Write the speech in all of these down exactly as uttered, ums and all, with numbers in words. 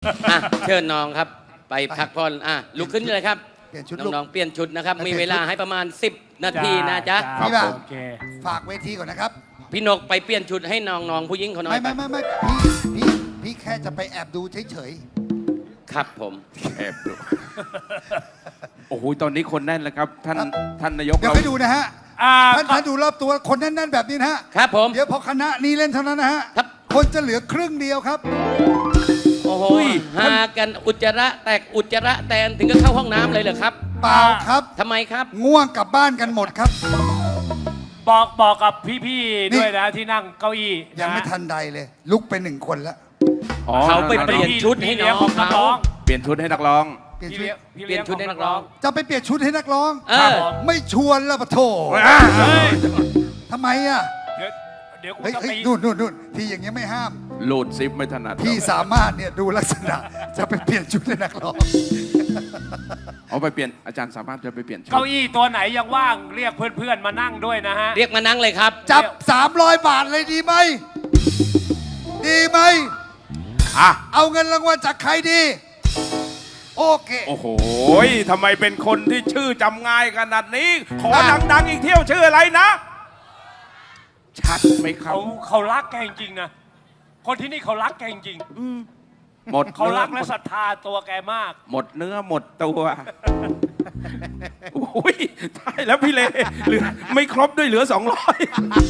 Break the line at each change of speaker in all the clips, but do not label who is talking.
อ่ะเชิญน้องครับไปพักผ่อนอ่ะลุกขึ้นเลยครับ
เปลี่ยนชุด
น้องๆเปลี่ยนชุดนะครับ
ไปเปลี่
มี
ยนชุด
เวลาให้ประมาณสิบนาทีนะจ๊ะ
จ้า
พี่บ่าว
โอเค
ฝากเวทีก่อนนะครับ
พี่นกไปเปลี่ยนชุดให้น้องๆผู้หญิงเขาหน่อ
ไม่
ย
ไม่ไม่ไม่พี่พี่พี่แค่จะไปแอบดูเฉย
ครับผม
แอบดูโอ้โหตอนนี้คนแน่นแล้วครับ ท่านท่านนาย
ๆ
ก
เดี๋ยว
เรา
ไปดูนะฮะ
อ่า
ท่านท่านดูรอบตัวคนแน่นๆแบบนี้นะฮะ
ครับผม
เดี๋ยวพอคณะนี้เล่นเท่านั้นนะฮะ
ครับ
คนจะเหลือครึ่งเดียวครับ
โอ้โหหากันอุจจาระแตกอุจจาระแตนถึงก็เข้าห้องน้ำเลยเหรอครับ
เปล่าครับ
ทำไมครับ
ง่วงกลับบ้านกันหมดครับ
บอกบอกกับพี่
นี่
ๆด้วยนะที่นั่งเก้าอี้
ยังไม่
ะ
ทันใดเลย ลุกไปหนึ่งคนแล้ว
อ๋อ
เขาไปเปลี่ยนชุดให้น้อง
พี่เลี้ยของนัก
เขา
ร้อง
เปลี่ยนชุดให้นักร้อง
เปลี่ยน
พี่
ชุด
เลี้ยงพี่
เปลี่ยนชุดให้นักร้อง
จะไปเปลี่ยนชุดให้นักร้อง
เอ
ครับ
อ
ผม
ไม่ชวนแล้วปะโถ
เฮ้ย
ทำไมอ่ะ
เดี๋ยวเดี๋ยวกู
เฮ้ย
จะ
เฮ้
ไป
ยนู่นนู่นนู่นที่อย่างเงี้ยไม่ห้าม
โหลดซิปไม่ถนัด
พี่สามารถเนี่ยดูลักษณะ จะไปเปลี่ยนชุดให้นักร้อง
เอาไปเปลี่ยนอาจารย์สามารถจะไปเปลี่ยนชุด
เก้าอี้ตัวไหนยังว่างเรียกเพื่อนๆมานั่งด้วยนะฮะ
เรียกมานั่งเลยครับ
จับสามร้อยบาทเลยดีไหม ดีไหม
อ่ะ
เอาเงินรางวัลจากใครดี โอเค
โอ้โหทำไมเป็นคนที่ชื่อจำง่ายขนาดนี้ ขอ
อ่ะ
ดังๆอีกเที่ยวชื่ออะไรนะ ชัดไหมครั
เขา
บ
เขารักแกจริงๆนะ คนที่นี่เขารักแกจริง
หมด
ๆเขา
เนื้อ
รัก
หม
และ
ด
ศรัทธาตัวแกมาก
หมดเนื้อหมดตัวโอ้ยตายแล้วพี่เลเหลือไม่ครบด้วยเหลือสองร้อย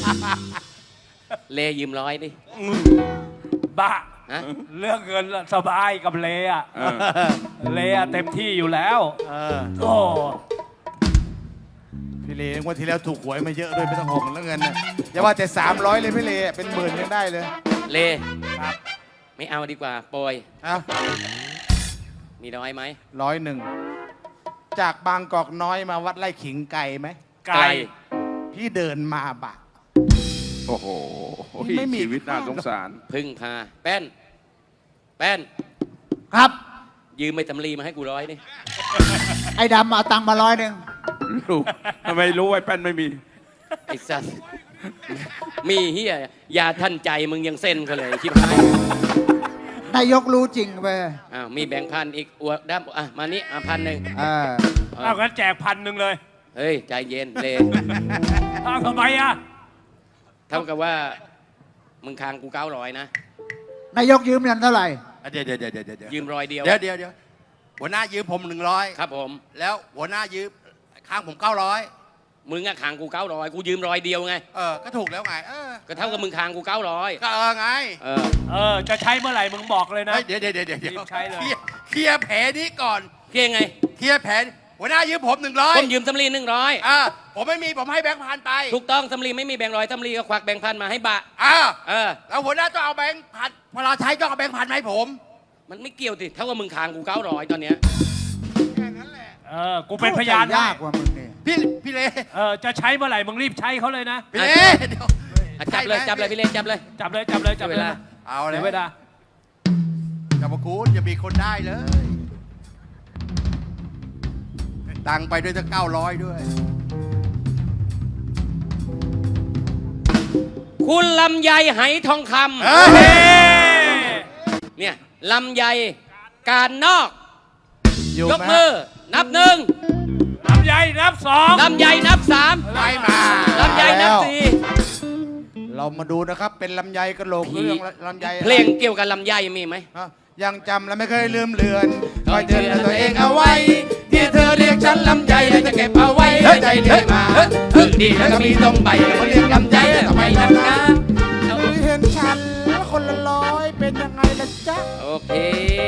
เลยืมร้อยดิ
บ้า
ฮะ
เรื่องเงินสบายกับเลอะ
เออ
เลอะเต็มที่อยู่แล้ว
เออ
โอ้
พี่เลงวดที่แล้วถูกหวยมาเยอะด้วยไม่ต้องห่วงแล้วเงินนะอย่าว่าแต่สามร้อยเลยพี่เลเป็นหมื่นยังได้เลย
เล
ครับ
ไม่เอาดีกว่าโปรย
เอา
มีน้อยไหม
ร้อยหนึ่งจากบางกอกน้อยมาวัดไร่ขิงไกลไหม
ไกล
พี่เดินมาบะ
โอ้โห
ไม่มี
ชีวิตน่าสงสาร
พึ่งพาแป้น แป้น
ครับ
ยืมไปตำลีมาให้กูร้อยดิ
ไอ้ดำเอาตังค์มาร้อยหนึ่ง
ลูกทำไมรู้ไอ้แป้นไม่มี
ไอ้สัสมีเฮียยาท่านใจมึงยังเส้นเขาเลยชิบหาย
นายกรู้จริงไป
อ้าวมีแบงค์พันอีกอวดด้ามอ่ะมานี่อ่ะพันหนึ่ง
เออ
เอางั้นแจกพันหนึ่งเลย
เฮ้ย ใจเย็นเล
เอาทำไมอะ
เท่ากับว่า มึงค้างกูเก้าร้อยนะ
นายกยืมเงินเท่าไหร่
เดี๋ยวเดี๋ยวเดี๋ยวเดี๋ยวเดี๋ยว
ยืมร้อยเดียว
เดี๋ยวเดี๋ยวเดี๋ยวหัวหน้ายืมผมหนึ่งร้อย
ครับผม
แล้วหัวหน้ายืมข้างผมเก้าร้อย
มึงอะค้างกูเก้าร้อยกูยืมร้อยเดียวไง
เออก็ถูกแล้วไงเออ
ก็เท่ากับมึงค้างกูเก้าร้อย
ก็เออไง
เออ
เออ จะใช้เมื่อไหร่มึงบอกเลยนะ
เฮ้ยเดี๋ยวเดี๋ยวเดี๋ยวเดี๋ยว
รีบใช้เลย
เคลียร์เคลียร์แผลนี้ก่อน
เพียงไง
เคลียร์แผลหัวหน้ายืมผมหนึ่งร้อย
ผมยืมสำลีหนึ่งร้อย
อ่าผมไม่มีผมให้แบงค์พันไป
ถูกต้องสำลีไม่มีแบงค์ร้อยสำลีก็ควักแบงค์พันมาให้บะ
อ่า
เออ
แล้วหัวหน้าต้องเอาแบงค์พันเวลาใช้ต้องเอาแบงค์พันมาให้ผม
มันไม่เกี่ยวสิเท่ากับมึงค้างกูเก้าร้อยตอนเนี้ย
แค่นั้นแหละ
เออ กูเป็นพยานได้
ยากกว่ามึงเนี่ย
พี่พี่เล
เออ จะใช้เมื่อไหร่มึงรีบใช้เขาเลยนะ
พี่เลเดี๋ยว
อ่ะจับเลยจับเลยพี่เลนจับเลย
จับเลยจับเลยจับเลย
เวลา
เอา
เดี๋
แล้
ยว วเวลา
จะมาคูณจะมีคนได้เลย ตังค์ไปด้วยตั้งเก้าร้อยด้วย
คุณลำไยไหทองค
เฮ้ย
ำเนี่ยลำไยการนอก
อยู่
ยก
ไหม
มือ นับหนึ่ง
ลำไยนับสอง
ลำไยนับสาม
ไม่มา
ลำไยนับสี่
เรามาดูนะครับเป็นลำไยกระโหลก
พี่
เรื่องลำไย
เพลงเกี่ยวกับลำไยมีไหม
ฮะยังจำและไม่เคยลืมเลือนคอยเตือนตัวเองเอาไว้ ที่เธอเรียกฉันลำไยและจะเก็บเอาไว้ใจเรื่อยมาฝึกดีแล้วก็มีตรงใบมาเรียกลำไยแล้วทำไมนักหนาเห็นฉันคนละร้อยเป็นยังไงล่ะจ๊ะ
โอเค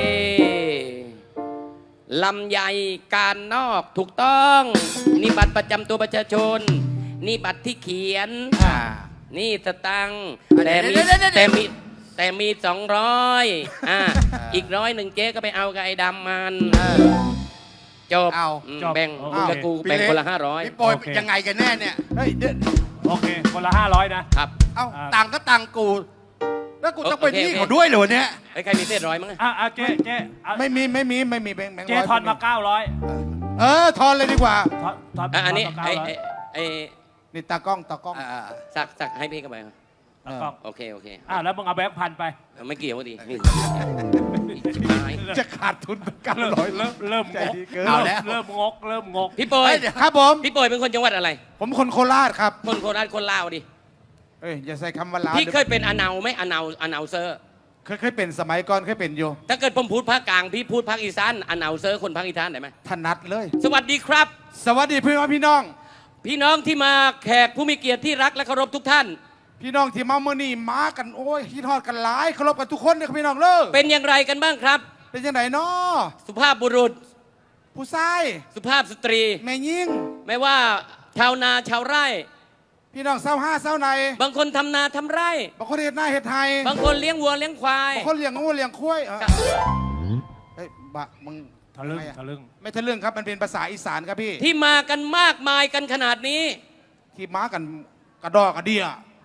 ลำไยการนอกถูกต้อง นี่บัตรประจำตัวประชาชน นี่บัตรที่เขียน
อ่า
นี่สตังค์
เดี๋
แต่
ยว
มี
เดี๋ยวเดี๋ยวเดี๋ยว
แต่มีแต่มีสองร้อยอ่าอีกร้อยหนึ่งเจ๊ก็ไปเอากับไอ้ดำมันจบ
เอา
อืม
จบ
แบ่ง
โอเค
มึงกับกูแบ่งคนละห้าร้อย
พี่โปรย
โอเค
ยังไงกันแน่เนี่ย
เฮ้ยเดี๋ยว
โอเค คนละห้าร้อยนะ
ครับ
เอ้า
อ่า
ตังค์ก็ตังค์กู แล้วกูต้องไป
โอเค
ที่
โอเค
เขาด้วยเหรอเนี่ย
ไอ้ยใครมีเศษร้อยมั้ง
อ่ะอ่ะเจ๊เจ๊อ่ะ
ไม่มีไม่มีไม่มีแบงค์แบงค์
เจ๊
ร้อย
ทอนมาเก้าร้อย
เออทอนเลยดีกว่า
ทอนทอน
อ่ะอันนี้
ทมา
ไอ้
เก้าร้อย
ไอ้ไอ้
นี่ตากล้องตากล้อง
อ่า
สักสักให้พี่กันไปครับ
แล้วก็
โอเคโอเค
อ่ะแล้วมึงเอาแบงค์พันไป
ไม่เกี่ยวดินี่ชิบหาย
จะขาดทุนเป็นเก้า
เริ่ม
ร้อย
เริ่มเริ่มงก
เกิน
เอาแล้ว
เริ่มงกเริ่มงก
พี่โปย
เฮ้ยเดี๋ยว
ครับผม
พี่โปยเป็นคนจังหวัดอะไร
ผมคนโคราชครับ
คนโคราชคนลาวดิ
เอ้ยอย่าใส่คำว่าลาว
พี่เคยเป็นอนาไหมอนาอนาเซอร์
เคยเคยเป็นสมัยก่อนเคยเป็นอยู่
ถ้าเกิดผมพูดภาคกลางพี่พูดภาคอีสานอนาเซอร์คนภาคอีสานได้ไหม
ถนัดเลย
สวัสดีครับ
สวัสดีพี่น้องพี่น้อง
พี่น้องที่มาแขกผู้มีเกียรติที่รักและเคารพทุกท่าน
พี่น้องที่มาเมื่อนี้มากันโอ้ยคิดฮอดกันหลายเคารพกันทุกคนเลยครับพี่น้องเลิก
เป็นอย่างไรกันบ้างครับ
เป็นยังไงเนาะ
สุภาพบุรุษ
ผู้ชาย
สุภาพสตรี
แม่ยิ่ง
ไม่ว่าชาวนาชาวไร่
พี่น้องเศร้าห้าเศร้าใน
บางคนทำนาทำไร่
บางคนเห็ดหน้าเห็ดไทย
บางคนเลี้ยงวัวเลี้ยงควาย
บางคนเลี้ยงงูเลี้ยงควายเออเฮ้ยบะมึง
ทะลึ่ง
ทำไมอ
ทะลึ่ง
ไม่ทะลึ่งครับมันเป็นภาษาอีสานครับพี่
ที่มากันมากมายกันขนาดนี้
ที่มากันกระดอกกระเดีย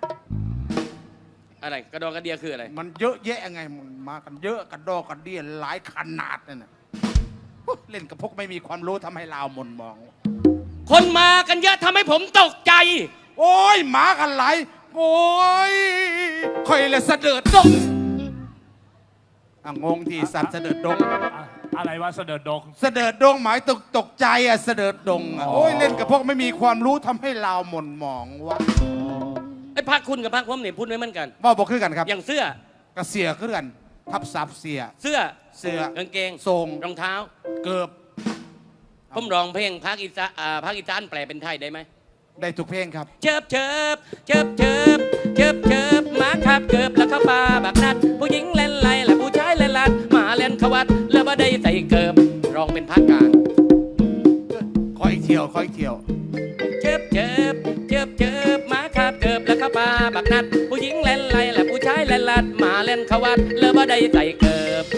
อะไรกระดองกระเดียคืออะไร
มันเยอะแยะไงมันมากันเยอะกระดอกกระเดียหลายขนาดนั่นน่ะโอ้เล่นกับพวกไม่มีความรู้ทำให้ลาวหมนมอง
คนมากันเยอะทำให้ผมตกใจ
โอ้ยหมากันไหลายโอ้ยคอยเลยเสด็จดงอ่ะงงที่สัตว์เสด็จดง
อะอะไรวะเสด็จดง
เสด็จดงหมายตกตกใจอ่ะเสด็จดงอ่ะโอ้ยเล่นกับพวกไม่มีความรู้ทำให้ลาวหม่นหมองวะ
ไอ้พักคุณกับพักผมเนี่ยพูดไม่เหมือนกัน
ว่าบอกคือกันครับ
อย่างเสื้อก
ระเสียคือกัน ทับซับเสีย
เสื้อ
เสื้อก
างเกง
ทรง
รองเท้า
เกือบ
ผมร้องเพลงภาคอีสานอ่าภาคอีสานแปลเป็นไทยได้ไหม
ได้ทุกเพลงครับ
เชิบเชิบเชิบเชิบเชิบเชิบหมาขับเกิบแล้วเข้าป่าบักนัด ผู้หญิงเล่นไรและผู้ชายเล่นลัดหมาเล่นขวัดแล้วบ่ได้ใส่เกิบร้องเป็นภาคกลาง
ขออีกเที่ยวขออีกเที่ยว
เชิบเชิบเชิบเชิบหมาขับเกิบแล้วเข้าป่าบักนัด ผู้หญิงเล่นไรและผู้ชายเล่นลัดหมาเล่นขวัดแล้วบ่ได้ใส่เกิบ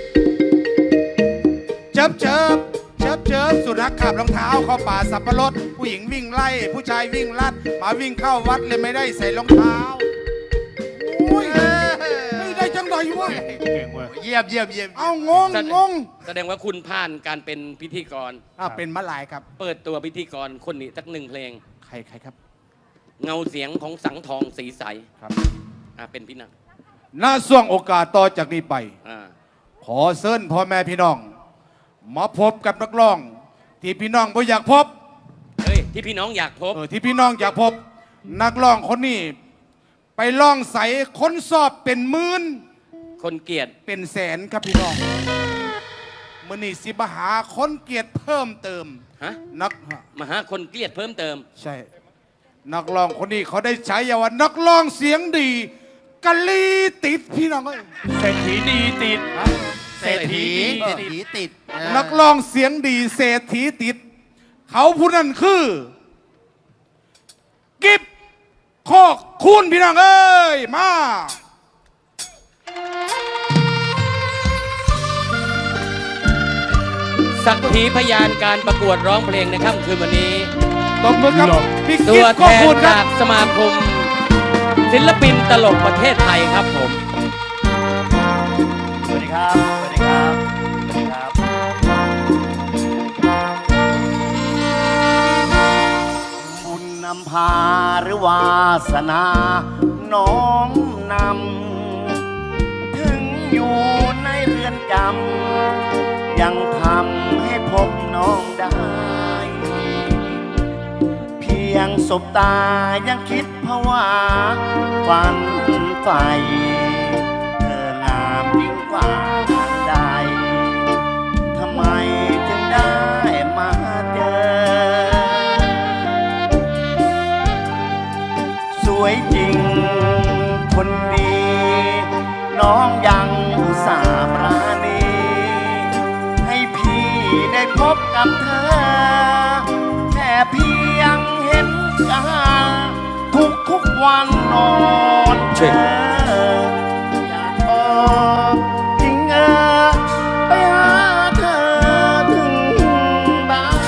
เจิบเจิบเจิบเจิบสุนัขขับรองเท้าเข้าป่าสับปะรดผู้หญิงวิ่งไล่ ผู้ชายวิ่งลัดหมาวิ่งเข้าวัดเลยไม่ได้ใส่รองเท้าโอ้ยไม่ได้จังไดวะ
เก่งเว้ย
เยี่ยมเยี่ยมเยี่ยม
เอางงงง
แสดงว่าคุณผ่านการเป็นพิธีกร
อ่ะเป็นมะลายครับ
เปิดตัวพิธีกรคนนี้สักหนึ่งเพลง
ใครใครครับ
เงาเสียงของสังทองสีใส
ครับ
อ่าเป็นพี่นัก
ณช่วงโอกาสต่อจากนี้ไป
อ่า
ขอเชิญพ่อแม่พี่น้อง มาพบกับนักร้อง ที่พี่น้องบ่อยากพบ
เฮ้ยที่พี่น้องอยากพบ
เออที่พี่น้องอยากพบ นักร้องคนนี้ ไปล่องใสคนสอบเป็นหมื่น
คนเกลียด
เป็นแสนครับพี่น้องมื่อนี้สิบหาคนเกียรติเพิ่มเติม
ฮะ
นัก
มาหาคนเกลียดเพิ่มเติม
ใช่ นักร้องคนนี้เขาได้ใช้ยาว่านักร้องเสียงดีกะลีติดพี่น้องเอ้ย
เศรษฐีดีติด
เศรษฐีเศรษฐีติดเออ
นักร้องเสียงดีเศรษฐีติด เขาผู้นั้นคือ กิบโคกคุณพี่น้องเอ้ยมา
สักขีพยานการประกวดร้องเพลงในค่ำคืนวันนี้
ตบมือครับพี่
ตั
กิบ
ว
โค
แท
ก
น
คุณครั
จา
บ
กสมาคม ศิลปินตลกประเทศไทยครับผม
สวัสดีครับ สวัสดีครับ สวัสดีครับ บุญนำพาหรือวาสนา น้อมนำ ถึงอยู่ในเรือนจำ ยังทำให้พบน้องได้ เพียงสบตายังคิดภาวะฝันใฝ่เธองามยิ่งกว่าใดทำไมถึงได้มาเจอ สวยจริงคนดี น้องยังอุตส่าห์ปราณีให้พี่ได้พบกับเธอ แค่เพียงเห็นกันทุกทุกๆวันนอนเธออยากบอกจริงเออไปหาเธอถึงบ้าน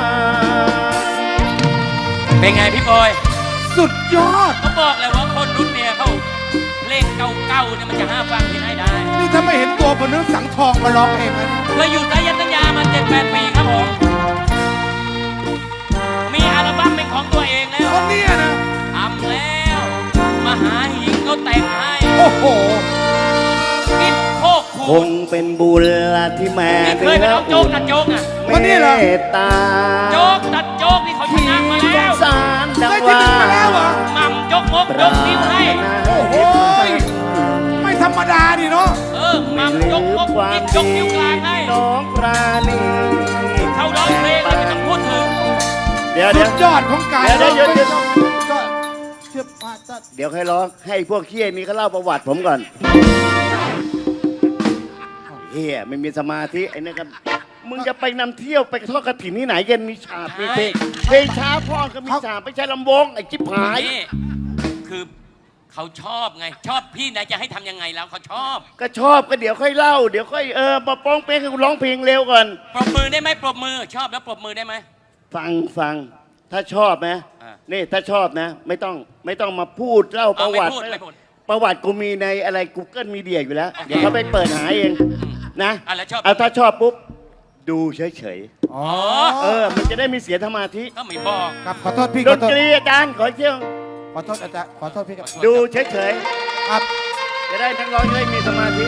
เป็นไงพี่บอย
สุดยอด
เขาบอกเลยว่าคนรุ่นเนี่ยเขาเพลงเก่าๆเนี่ยมันจะห้าฟังที่ไหนได้
นี่ถ้าไม่เห็นตัวผมนึกสังทองมาร้องเองนะ
เคยอยู่สายันสัญญามาเจ็ดแปดปีครับผม มีอัลบั้มเป็นของตัวเองแล้ว
คนเนี้ยนะ
ทำแล้ว มหาหิงเขาแต่งให้
โอ้โห
กิบโคกคุ
คงเป็นบุญที่แม่
นี่เคยไปเอาโจ๊กตัดโจ๊กอ่ะ
เมตตา
โจ๊กตัดโจ๊กนี่เขาช
ที่
นะมา
ส
แล้
ง
ว
สารดัง
ได้ที่
ว่า
หนึ่งมาแล้วเหรอ
หม่ำยกมก
ป
ย
ราก
นิ้วให้
ถนา
โอ้โหไม่ธรรมดาดิเนาะ
เออหม่ำยกมกยิงยกนิ้วกลางให้
น้องปราณี
เขาร้องเพลงเลยไม่ต้องพูดถึง
เดี๋ยว
สุ
เดี๋ยว
ดยอดของการ
เดี๋ยวเดี๋ยวเดี๋ยว
ก็เชื่อมาจะ
เดี๋ยวใครร้องให้พวกเคี้ยนี้เขาเล่าประวัติผมก่อนเฮียไม่มีสมาธิไอ้นี่ครับมึงจะไปนำเที่ยวไปทอดกระถิ่นที่ไหนกันมีฉาบมีเพลงเพลงช้าพ่อก็มีฉาบไม่ใช่ลำวงไอ้จิ๊บหาย
นี่คือเขาชอบไง ชอบพี่นายจะให้ทำยังไงแล้วเขาชอบ
ก็ชอบก็เดี๋ยวค่อยเล่า เดี๋ยวค่อยเออมาป้องเพลงให้กูร้องเพลงเร็วก่อน
ปรบมือได้ไหมปรบมือชอบแล้วปรบมือได้ไหม
ฟังฟังถ้าชอบนะ
อ่า
นี่ถ้าชอบนะ ไม่ต้องไม่ต้องมาพูดเล่าประวัติ
เอาไม่พูดไม่พูด
ประวัติกูมีในอะไร Google Media อยู่แล้ว
โอเค
เดี๋ยวเขาไปเปิดหาเองนะ
อ่ะแล้วชอบ
เอาถ้าชอบปุ๊บ ดูเฉย
อ๋อ
ๆเออ มันจะได้มีเสียสมาธิ
ก็ไม่บอก
ครับขอโทษพี่
ด
ขอน โทษ
ตรีอาจารย์ขอเที่ยว
ขอโทษอาจารย์ขอโทษพี่ครับ
ดูเฉย
ครับ
ๆจะได้นักร้องจะได้มีสมาธิ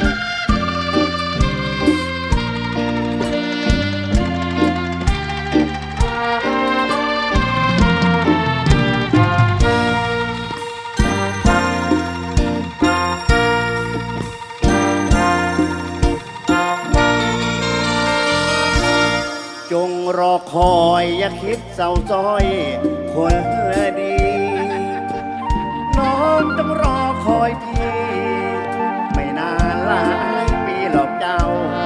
จงรอคอยอย่าคิดเศร้าซ้อยคนละดี น้องต้องรอคอยพี่ ไม่นานหลายปีหรอกเจ้า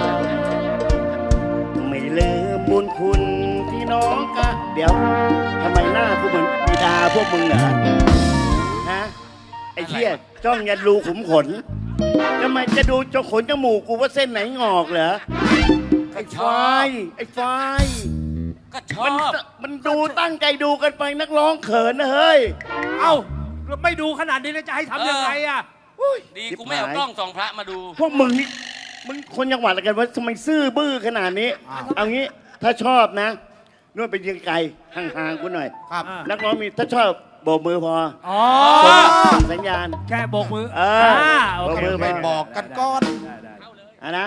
ไม่ลืมบุญคุณที่น้องกะ เดี๋ยวทำไมหน้าพวกมึงบิดาพวกมึงเหรอฮะไอ้เชี่ยจ้องยันรูขุมขนทำไมจะดูจงขนจมูกกูว่าเส้นไหนงอกเหรอไอ้ไฟไอ้ไฟ
ก็ชอ
มัน
บ
มันดูตั้งใจดูกันไปนักร้องเขินนะเฮ้ย
เอ้าไม่ดูขนาดนี้แล้วจะให้ทำยังไงอ่ะ
ดีกูไม่เอากล้องส่องพระมาดู
พวกมึงนี่มึงคนจังหวัดอะไรกันวะทำไมซื่อบื้อขนาดนี้ เอางี้ถ้าชอบนะนู่นไปยืนไกลห่างๆกูหน่อย
ครับ
อ่า
นักร้องมีถ้าชอบโบกมือพอ
อ๋อ
ส่งสัญญาณ
แค่โบกมือ
เอออ่
าโอเค
โบกมือ
โเค
ไป
บอกกันก่อน
ได้ได้ได้
อ่ะนะ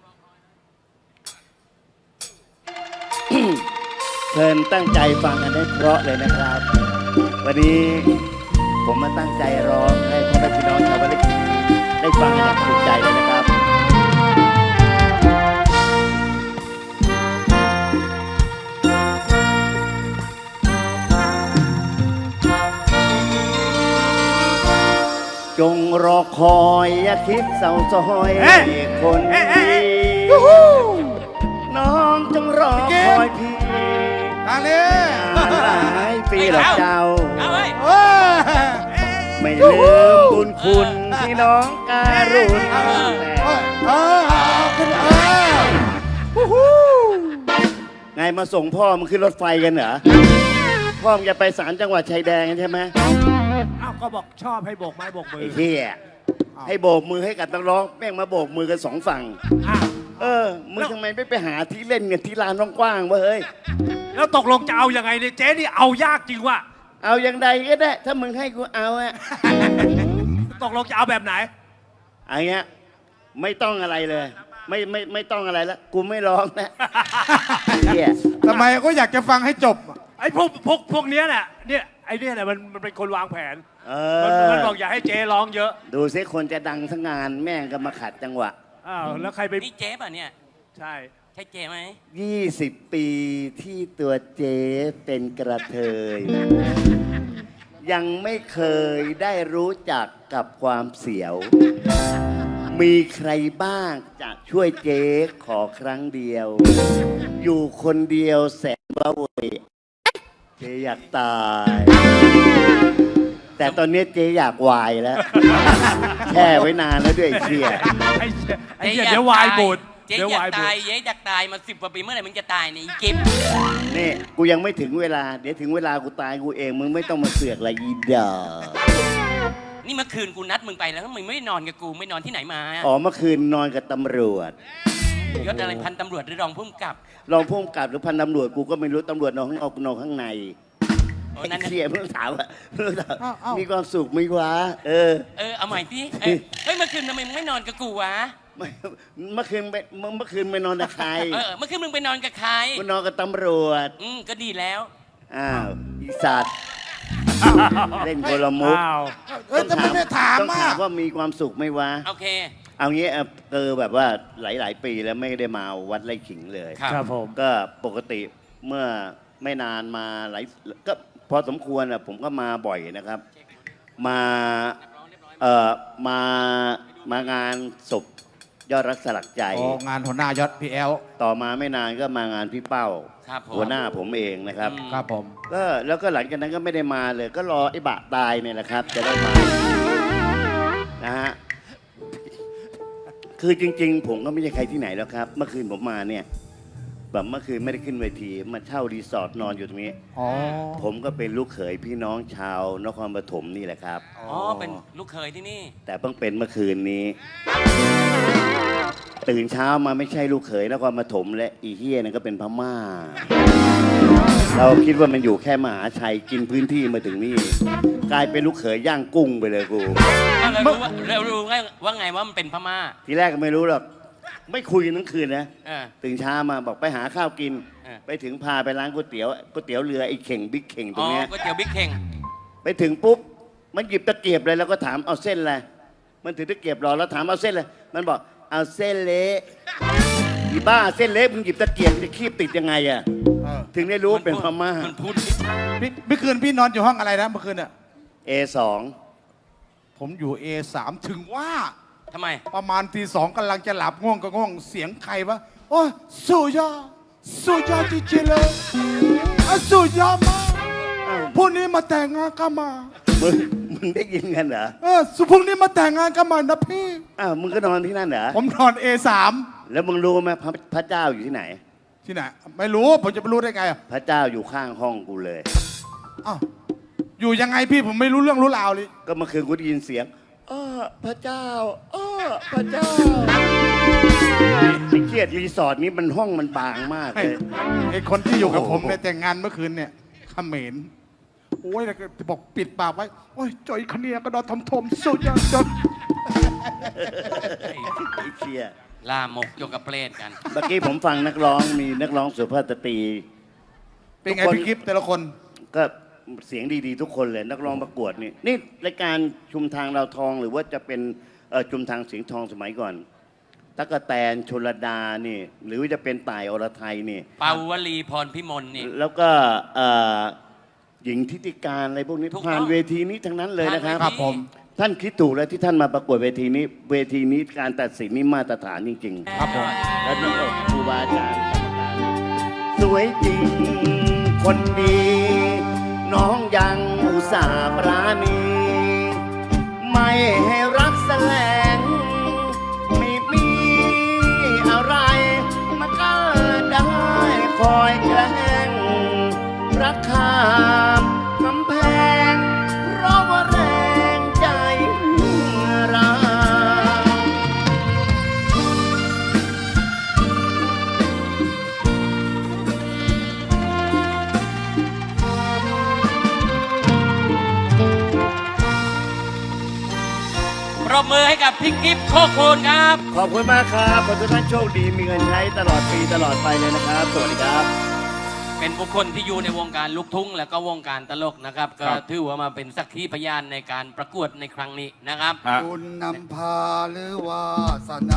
เชิญตั้งใจฟังกันให้เพราะเลยนะครับ วันนี้ผมมาตั้งใจร้องให้พ่อแม่พี่น้องชาวบ้านได้ฟังกันอย่างถูกใจเลยนะครับ จงรอคอยอย่าคิดเศร้าซอย
เอ๊ะ
คน
เอ๊ะเอ๊ะ
ดี
เอ๊ะ
น้องจงรอคอยพี่
ทางนี้
หลายปีหรอกเจ้า
เอาไว้ย
เอ้ย
ไม่ลืมบุญคุณที่น้องการุณแต่
เอ้ยเออเอาขึ้นเออฮู้ฮู้
ไงมาส่งพ่อมึงขึ้นรถไฟกันเหรอ พ่อมึงจะไปสามจังหวัดชายแดนกันใช่ไหม
อ้าวก็บอกชอบให้โบกไม้โบกมือ
ไอ้เหี้ยให้โบกมือให้กับนักร้องแม่งมาโบกมือกันสองฝั่ง
อ้าว
เออ มึงทำไมไม่ไปหาที่เล่นกันที่ลานกว้างๆวะเฮ้ย
แล้วตกลงจะเอายังไงเนี่ยเจ๊นี่เอายากจริงว่ะ
เอาอย่างใดก็ได้ ถ้ามึงให้กูเอาอะ
ตกลงจะเอาแบบไหน
อันเงี้ยไม่ต้องอะไรเลย ไม่ไม่ไม่ต้องอะไรแล้วกูไม่ร้องนะเหี้ย
ทำไมก็อยากจะฟังให้จบ
ไอ้พวกพวกพวกเนี้ยแหละเนี่ยไอ้เนี่ยแหละมันมันเป็นคนวางแผน
เอ
มัน
อ
มันบอกอย่าให้เจ๊ร้องเยอะ
ดูซิคนจะดังทั้งงานแม่งก็มาขัดจังหวะ
อ้าวแล้วใครไป
นี่เจ๊ป่ะเนี่ย
ใช่
ใช่เจ๊ไหม
ยี่สิบปีที่ตัวเจ๊เป็นกระเทย ยังไม่เคยได้รู้จักกับความเสียว มีใครบ้างจะช่วยเจ๊ขอครั้งเดียว อยู่คนเดียวแสนว้าเหวเจ๊อยากตาย แต่ตอนนี้เจ๊อยากวายแล้ว แช่ไว้นานแล้วด้วยไอ้เชี่ย
ไอ้ไอ้เหี้ยเดี๋ยววายบูด
เจ๊
เดี๋ยวาย
อยาวก
บู
ตาย
ด
เจ๊อยากตายมาสิบกว่าปีเมื่อไหร่มึงจะตายเนี่ยอีกิฟ
นี่กูยังไม่ถึงเวลา เดี๋ยวถึงเวลากูตายกูเองมึงไม่ต้องมาเสือกอะไรอีดอ
นี่เมื่อคืนกูนัดมึงไปแล้วมึงไม่ได้นอนกับกูไม่นอนที่ไหนมา
อ๋อเมื่อคืนนอนกับตำรวจ
ยศอะไรพันตำรวจหรือรองผู้กำกับ
รองผู้กำกับหรือพันตำรวจกูก็ไม่รู้ตำรวจนอนข้างนอกนอนข้างใน
โอ้
ไอ้
นั่นน่ะ
เชี่ยเพิ่งถามว่าเพิ่งถาม
อ้าวอ้าว
มีความสุขไหมวะเออ
เออเอาใหม่พี่เออเฮ้ยเมื่อคืนทำไมมึงไม่นอนกับกูวะ
ไม่เมื่อคืนไปเมื่อเมื่อคืนไปนอนกับใคร
เออเมื่อคืนมึงไปนอนกับใคร
ไปนอนกับตำรวจ
อืมก็ดีแล้ว
อ้าวอีสัตว์เล่นโกลมุก
อ้าว
เอ้ยทำไมไม่ถาม
ต้อง
อ่ะ
ถามว่ามีความสุขไหมวะ
โอเค
เอางี้เออเออแบบว่าหลาย ๆ ปีแล้วไม่ได้มาวัดไร่ขิงเลย
ครับ
ครับผม
ก็ปกติเมื่อไม่นานมาหลายก็พอสมควรอ่ะผมก็มาบ่อยนะครับ มาเอ่อมามางานศพยอดรักสลักใจ
โอ้งานหัวหน้ายศพีแอล
ต่อมาไม่นานก็มางานพี่เป้า
ครับผม
หัวหน้าผมเองนะครับ
อืม
ครับผม
ก็แล้วก็หลังจากนั้นก็ไม่ได้มาเลย ก็รอไอ้บะตายเนี่ยแหละครับ จะได้มานะฮะคือจริง ๆ ผมก็ไม่ใช่ใครที่ไหนแล้วครับ เมื่อคืนผมมาเนี่ยแบบเมื่อคืนไม่ได้ขึ้นเวทีมาเช่ารีสอร์ทนอนอยู่ตรงนี้
อ๋อ
ผมก็เป็นลูกเขยพี่น้องชาวนครปฐมนี่แหละครับ
อ๋อ เป็นลูกเขยที่นี่
แต่เพิ่งเป็นเมื่อคืนนี้ ตื่นเช้ามาไม่ใช่ลูกเขยนครปฐมและอีเฮียนั่นก็เป็นพม่า เราคิดว่ามันอยู่แค่มหาชัยกินพื้นที่มาถึงนี่กลายเป็นลูกเขยย่างกุ้งไปเลยกู
ก็เลยรู้ว่าเรารู้ไงว่าไงว่ามันเป็นพม่า
ทีแรกก็ไม่รู้หรอกไม่คุยกันทั้งคืนนะ
เออ
ตื่นเช้ามาบอกไปหาข้าวกิน
เออ
ไปถึงพาไปร้านก๋วยเตี๋ยวก๋วยเตี๋ยวเรือไอ้เข่งบิ๊กเข่งตร
อ๋
ง
อ
เนี้ย
ก๋วยเตี๋ยวบิ๊กเข่ง
ไปถึงปุ๊บมันหยิบตะเกียบเลยแล้วก็ถามเอาเส้นอะไรมันถือตะเกียบรอแล้วถามเอาเส้นอะไรมันบอกเอาเส้นเละอีบ้าเส้นเละมึงหยิบตะเกียบจะคีบติดยังไงอะ
เออ
ถึงได้รู้ว่าเป็นพม่า
มันพูด
พี่เมื่อคืนพี่นอนอยู่ห้องอะไรนะเมื่อคืนเนี่ย
เอ สอง
ผมอยู่ เอ สาม ถึงว่า
ทำไม
ประมาณตีสองกำลังจะหลับง่วงก็ง่วงเสียงใครวะโอ้ยสุดยอดสุดยอดจริงๆเลยอ่ะสุดยอดมากพรุ่งนี้มาแต่งงานกันมา
มึงมึงได้ยินกันเหรอ
เออสุพรุ่งนี้มาแต่งงานกันมานะพี่
อ้าวมึงก็นอนที่นั่นเหรอ
ผมนอน เอ สาม
แล้วมึงรู้ไหมพระพระเจ้าอยู่ที่ไหน
ที่ไหนไม่รู้ผมจะไปรู้ได้ไงอ่ะ
พระเจ้าอยู่ข้างห้องกูเลย
อ้าวอยู่ยังไงพี่ผมไม่รู้เรื่องรู้ราวเลย
ก็เมื่อคืนกูได้ยินเสียงอ้อพระเจ้าอ้อพระเจ้าไอ้เครียดรีสอร์ทนี้มันห้องมันบางมาก
ไอ้
เลย
ไอ้คนที่อยู่กับ
โอ้โห
ผมในแต่งงานเมื่อคืนเนี่ยเขมรโอ้ยแล้วก็บอกปิดปากไว้โอ้ยจอยคนเนี้ยก็นอนทำทมสุดยอดจน
ไอ้เชี่ย
ล่ามกโยกกับเปรตกัน
เมื่อกี้ผมฟังนักร้องมีนักร้องสุภาพสตรี
เป็นไง
ทุกคน
พี่กิฟต์แต่ละคน
ก็เสียงดีๆ ทุกคนเลยนักร้องประกวดนี่นี่รายการชุมทางดาวทองหรือว่าจะเป็นเอ่อชุมทางเสียงทองสมัยก่อนตั๊กแตนชลดานี่หรือว่าจะเป็นต่ายอรไทยนี่
ปาวลีพรพิมลนี่
แล้วก็เอ่อหญิงทิติการอะไรพวกนี้
ถูกต้อง
ผ่านเวทีนี้ทั้งนั้นเลยนะครับ
ผ่านเวที
ผม
ท่านคิดถูกแล้วที่ท่านมาประกวดเวทีนี้ เวทีนี้การตัดสินนี่มาตรฐานจริงๆ
ครับผม
และนี่ก็ครูบาอาจารย์กรรมการสวยจริงคนดี น้องยังอุตส่าห์ปราณี ไม่ให้รักแสลงไม่มีอะไรมาก็ได้คอยแกล้งรักข้ามกำแพงเพราะว่าแรงใจเรา
ปรบมือให้กับพี่กิฟต์โคคูณครับ
ขอบคุณมากครับขอให้ทุกท่านโชคดีมีเงินใช้ตลอดปีตลอดไปเลยนะครับ สวัสดีครับ
เป็นบุคคลที่อยู่ในวงการลูกทุ่งและก็วงการตลกนะครับ ก็ถือว่ามาเป็นสักขีพยานในการประกวดในครั้งนี้นะครับ
ฮะ
คุณนำพาหรือว่าสนา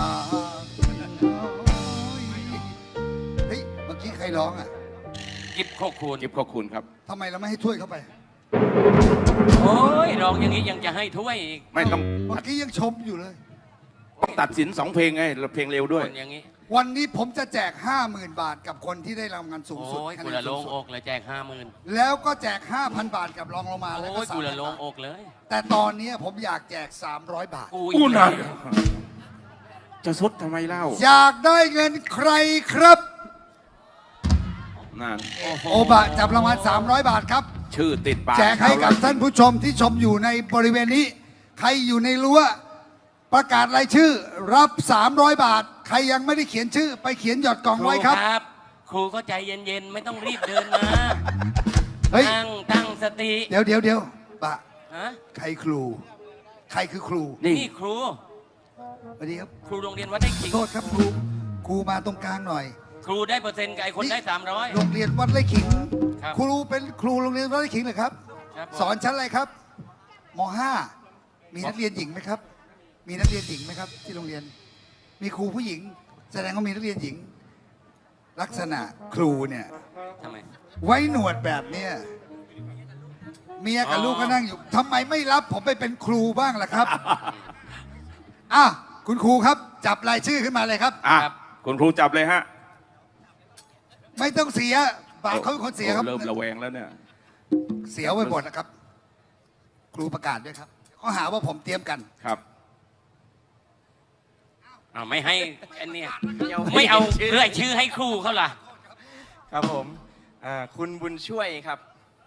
เฮ้ย เมื่อกี้ใครร้องอ่ะ
กิฟต์โคคูณ
กิฟขอบคุณครับ
ทำไมเราไม่ให้ถ้วยเข้าไป
โอ้ยร้องอย่างนี้ยังจะให้ถ้วยอีก
ไม่ต้อง
เมื่อกี้ยังชมอยู่เลย
ต้องตัดสินสองเพลงไงเพลงเร็วด้วย
คนอย่างนี้
วันนี้ผมจะแจก ห้าหมื่น บาทกับคนที่ได้รางวัลสูงสุด
โอ้ย
คะ
กู
แน
ละ
น
โล
สู
ง
งสุ
อ
ด
กเลยแจกห้าหมื่น
แล้วก็แจก ห้าพัน บาทกับรองลงมาแล้ว
โอ้
ก็
ย
สา
กู
ม
ละโล
พั
ง
น
อกเลย
แต่ตอนนี้ผมอยากแจก สามร้อย บาท
กู
กู
อีก
นะ
แล้ว
จะซดทำไมเล่า
อยากได้เงินใครครับ
นั่น
โอ้โห
โอบะจับรางวัล สามร้อย บาทครับ
ชื่อติดปาก
แจกให้กับท่านผู้ชมที่ชมอยู่ในบริเวณนี้ ใครอยู่ในรั้วประกาศรายชื่อ รับ สามร้อย บาท ใครยังไม่ได้เขียนชื่อ ไปเขียนหยอดกล่องไว้ครับ
ครูก็ใจเย็นๆ ไม่ต้องรีบเดินมา
เฮ้ย
ตั้งตั้งสติ
เดี๋ยวเดี๋ยวเดี๋ยวปะ
ฮะ
ใครครู ใครคือครู
นี่ครู
สวัสดีครับ
ครูโรงเรียนวัดไร่ขิง
โทษครับครูครูมาตรงกลางหน่อย
ครูได้เปอร์เซ็นต์กับไอ้คนได้สามร้อย
โรงเรียนวัดไร่ขิง
ครับ
ครูเป็นครูโรงเรียนวัดไร่ขิงเหรอครับ
ครับผม
สอนชั้นอะไรครับมห้ามีนักเรียนหญิงไหมครับ มีนักเรียนหญิงไหมครับ ที่โรงเรียน มีครูผู้หญิง แสดงว่ามีนักเรียนหญิง ลักษณะครูเนี่ย
ทำไม
ไว้หนวดแบบเนี้ยเมียกับ
อ๋อ
ลูกก็นั่งอยู่ทำไมไม่รับผมไปเป็นครูบ้างล่ะครับ อ่ะคุณครูครับ จับรายชื่อขึ้นมาเลยครับ
อ่ะ
ครับ
คุณครูจับเลยฮะ
ไม่ต้องเสียบาปเขาเป็นคนเสียครับ
โอ้เริ่มระแวงแล้วเนี่ย
เสียไปหมดนะครับ ครูประกาศด้วยครับเขาหาว่าผมเตรียมกัน
ครับ
อ้าวไม่ให้อันเนี้ยไม่เอาเรื่อยชื่อให้ครูเขาล่ะ
ครับผมอ่าคุณบุญช่วยครับ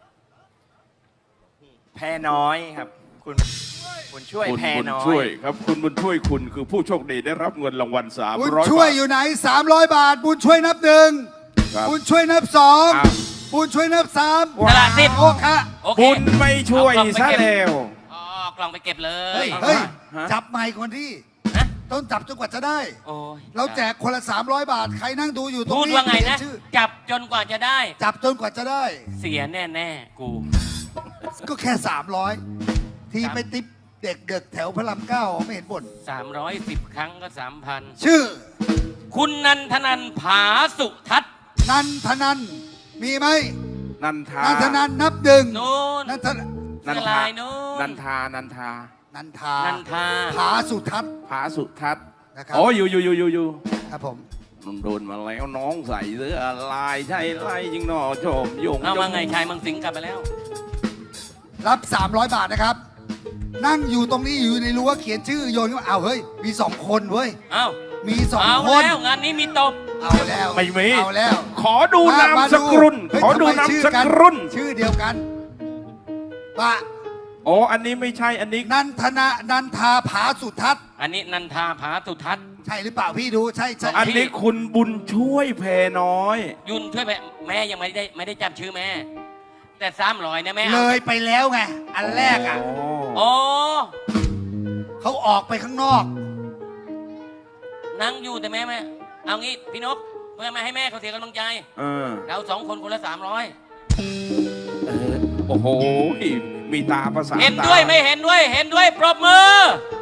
แพรน้อยครับ คุณบุญช่วย
คุณ
แพร
บุญ
น้อย
ช่วยครับ คุณบุญช่วยคุณคือผู้โชคดีได้รับเงินรางวัลสาม
บุญ
ร้อย
ช่วย
บาท
อยู่ไหนสามร้อยบาท บุญช่วยนับหนึ่ง
ครับ
บุญช่วยนับสอง
อ้าว
บุญช่วยนับสาม
ตลาดสิบ
โอ้ค่ะ
โอเค
บุญไม่ช่วย
เอากล่องไป
ซะ
เก็บ
แล้ว
อ๋อกล่องไปเก็บเลย
เฮ้ยเฮ้ย
ฮะ
จับใหม่คนที่
ฮะ
ต้องจับจนกว่าจะได้
โอ้ย
เราแจกคนละสามร้อยบาท ใครนั่งดูอยู่ตรง
พูด
นี้
ว่าไงนะ
เขียชื่อ
จับจนกว่าจะได้
จับจนกว่าจะได้
เสียแน่แน่ๆกู
ก็แค่สามร้อยที่ไปติปเด็กเด็กๆแถวพระรามเก้าไม่เห็นบ่น
สามร้อยสิบครั้งก็สามพัน
ชื่อ
คุณนันทนันผาสุทัศน์
นันทนันมีไหม
นันทา
นันทนันนับหนึ่ง
นู้น
นันทน
นัน
เสื้อ
ทา
ลายนู้น
นันทา นันทา
นันทา
นันทา
ผาสุทัศน์
ผาสุทัศน์
นะครับ
โอ้อยู่อยู่อยู่อยู่อยู่
ครับผม
โดนมาแล้วน้องใส่เสื้อลายใช่ไรยิงหนอโจมยง
เอามาไงชายเมืองสิงห์กลับไปแล้ว
รับ สามร้อย บาทนะครับ นั่งอยู่ตรงนี้อยู่ในรั้วเขียนชื่อโยนก็เอาวเฮ้ยมีสองคนเว้ย
เอ้า
มีสอง
เอา
คน
แล้วงานนี้มีตบ
เอาแล้ว
ไม่มี
เอาแล้ว
ขอดูนามสกุล
เฮ้ย
ขอดู
ทำไม
นาม
ชื่อ
ส
กัน
กุล
ชื่อเดียวกันปะ
โอ้อันนี้ไม่ใช่อันนี้
นันทนานันทาผาสุทัศน์
อันนี้นันทาผาสุทัศน์
ใช่หรือเปล่าพี่ดูใช่ใช่
อันนี้คุณบุญช่วยแพรน้อย
ยุนช่วยแม่แม่ยังไม่ได้ไม่ได้จำชื่อแม่ แต่สามร้อยเนี่ยแม่
เล
เอา
ยไปแล้วไงอันแรกอ่ะ
โอ้
เขาออกไปข้างนอก
นั่งอยู่แต่แม่แม่เอางี้พี่นกเพื่อไม่ให้แม่เขาเสียกำลังใจ
เออ
เราสองคนคนละสามร้อย
โอ้โห มีตาภาษา
เห็นด้วย
ตา
ไม่เห็นด้วยเห็นด้วยปรบมือ